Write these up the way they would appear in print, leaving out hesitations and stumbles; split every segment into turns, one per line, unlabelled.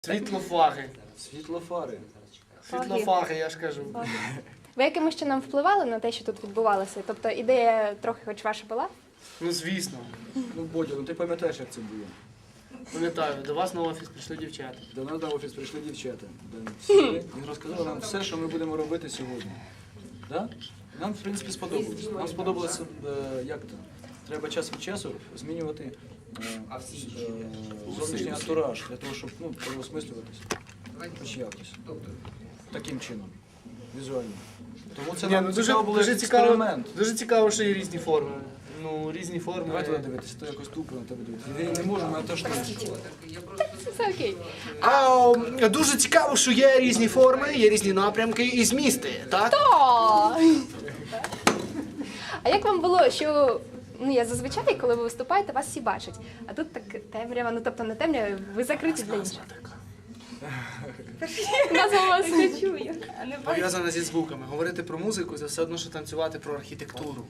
Світлофари.
Світлофари.
Світлофари, я ж кажу.
Ви якимось чином впливали на те, що тут відбувалося? Тобто ідея трохи хоч ваша була?
Ну, звісно.
Ну, Бодя, ну ти пам'ятаєш, як це було?
Пам'ятаю, до вас на офіс прийшли дівчата.
До нас на офіс прийшли дівчата. Сіли і розказали нам все, що ми будемо робити сьогодні. Да? Нам, в принципі, сподобалось. Нам сподобалося, як то, треба час від часу змінювати зовнішній антураж, для того, щоб переосмислюватися. Хоч якось. Таким чином. Візуально. Тому це нам цікаво було експеримент.
Дуже цікаво, що є різні форми. Ну, різні форми.
Давай туди дивитися, то якось тупо на тебе дивитися. Я не можу, але теж
Все окей.
Дуже цікаво, що є різні форми, є різні напрямки і змісти, так?
О! А як вам було, що я зазвичай, коли ви виступаєте, вас всі бачать, а тут так темрява, ну тобто не темрява, ви закриті для інших. Назва вас не чую.
Пов'язана зі звуками. Говорити про музику – це все одно, що танцювати про архітектуру.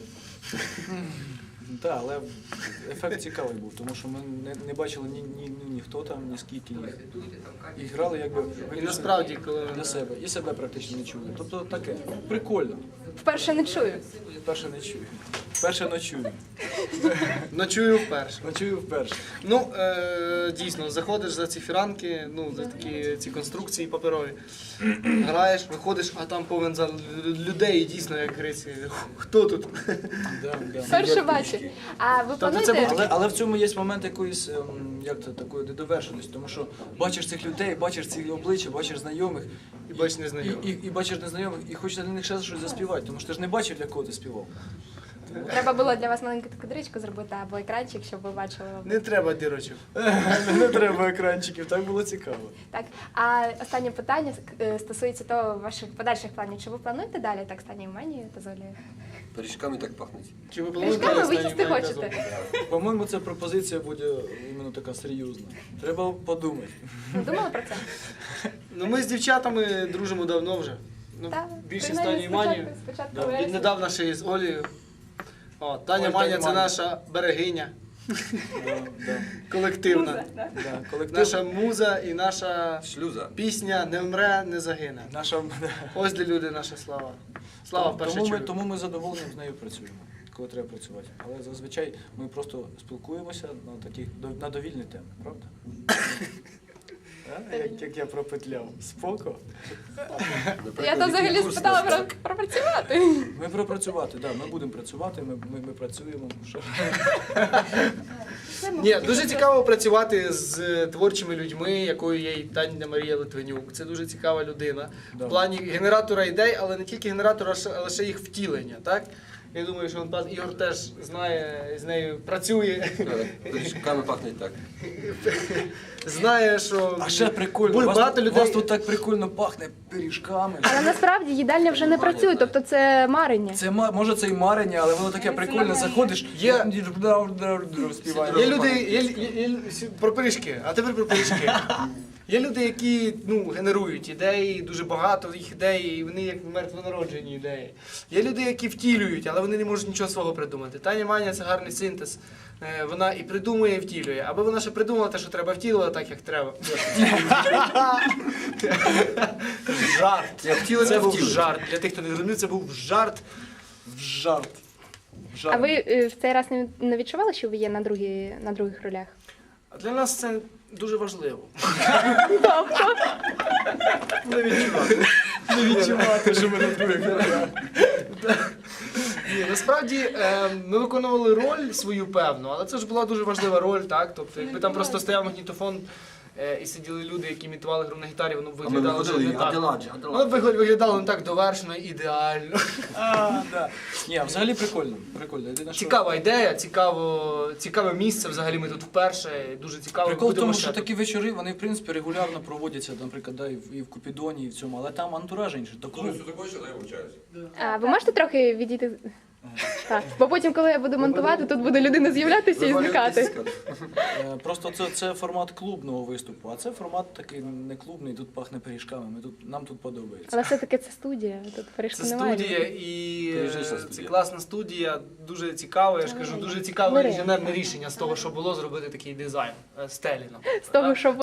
Так, але ефект цікавий був, тому що ми не бачили ні хто там, ні скільки їх. І грали якби
І насправді, коли...
для себе. І себе практично не чули. Тобто таке, прикольно.
Вперше не чую.
Вперше не чую. Вперше ночую.
Ночую вперше.
Ночую вперше.
Ну, дійсно, заходиш за ці фіранки, ну, за такі ці конструкції паперові, граєш, виходиш, а там повен зал людей, і дійсно, як гриці, хто тут?
Вперше бачу. А ви плануєте?
Але в цьому є момент якоїсь, як це, такої недовершеності, тому що бачиш цих людей, бачиш ці обличчя, бачиш знайомих,
І бачиш незнайомих.
і бачиш незнайомих, і хочеться для них ще щось заспівати, тому що ти ж не бачив, для кого ти співав.
Треба було для вас маленьку таку дирочку зробити або екранчик, щоб ви бачили.
Не треба дірочок.
Не треба екранчиків, так було цікаво.
Так, а останнє питання стосується того ваших подальших планів. Чи ви плануєте далі так стані Манію та Золі?
Пиріжками так пахнуть.
Чи ви
Пиріжками ви їсти
останній
хочете?
По-моєму, ця пропозиція буде іменно така серйозна. Треба подумати.
Ви думали про це?
Ну, ми з дівчатами дружимо давно вже. Ну,
Так,
більше
принаймні,
стані Манію.
спочатку
Да,
вересня.
Віднедавна ще із Олею. О, Таня
Ой,
Маня
Таня
це
Маня.
наша берегиня
Да.
колективна.
Да, колектив.
Наша муза і наша
Шлюза.
пісня не вмре, не загине.
Наша...
Ось де люди, наша слава. Слава в першу чергу.
Тому ми задоволені з нею працюємо, коли треба працювати. Але зазвичай ми просто спілкуємося на такі на довільні теми, правда? Як я пропетляв. Споко.
Я то взагалі спитала про працювати.
Ми пропрацювати, так, ми будемо працювати, ми працюємо. Що?
Ні, дуже цікаво працювати з творчими людьми, якою є і Таня Марія Литвинюк. Це дуже цікава людина.
Да.
В плані генератора ідей, але не тільки генератора, але ще їх втілення, так? Я думаю, що Ігор теж знає, з нею працює.
Пиріжками пахнуть так.
Знає, що
А ще прикольно,
багато
у
людей...
вас тут так прикольно пахне пиріжками.
Але насправді їдальня вже не працює, тобто це марення.
Це може це і марення, але воно таке прикольне, заходиш,
Є-
співає.
Є люди, про пиріжки, а тепер про пиріжки. Є люди, які генерують ідеї, дуже багато їх ідей, і вони як мертвонароджені ідеї. Є люди, які втілюють, але вони не можуть нічого свого придумати. Таня Маня – це гарний синтез. Вона і придумує, і втілює. Аби вона ще придумала те, що треба втілила, так як треба. Жарт. Це був жарт. Для тих, хто не зрозумів, це був жарт.
Жарт.
А ви в цей раз не відчували, що ви є на других ролях?
А для нас це дуже важливо.
Не відчувати, що ми на других ролях.
Ні, насправді ми виконували роль свою певну, але це ж була дуже важлива роль, так? Тобто, якби там просто стояв магнітофон і сиділи люди, які імітували гру на гітарі, воно б
А ми
виглядало вже
виходили,
не так.
Аделаджі,
Воно б виглядало не так довершено, ідеально.
Да. Ні, взагалі прикольно. Прикольно. Єдине, що...
Цікава ідея, цікаве місце, взагалі ми тут вперше, дуже цікаво.
Прикол в
Будемо
тому,
ще
що
тут.
такі вечори, вони в принципі регулярно проводяться, наприклад, да, і в Купідоні, і в цьому, але там антураж інший. Такого...
А ви можете трохи відійти? Так. Бо потім, коли я буду монтувати, тут буде людина з'являтися і зникати.
Просто це формат клубного виступу, а це формат такий не клубний, тут пахне пиріжками, нам тут подобається.
Але все-таки це студія, тут пиріжку
Це
немає.
студія і
Пережився
це
студія.
класна студія, дуже цікаво, я ж кажу, дуже цікаве
Бери.
інженерне рішення з того, що було, зробити такий дизайн стелі.
З того, що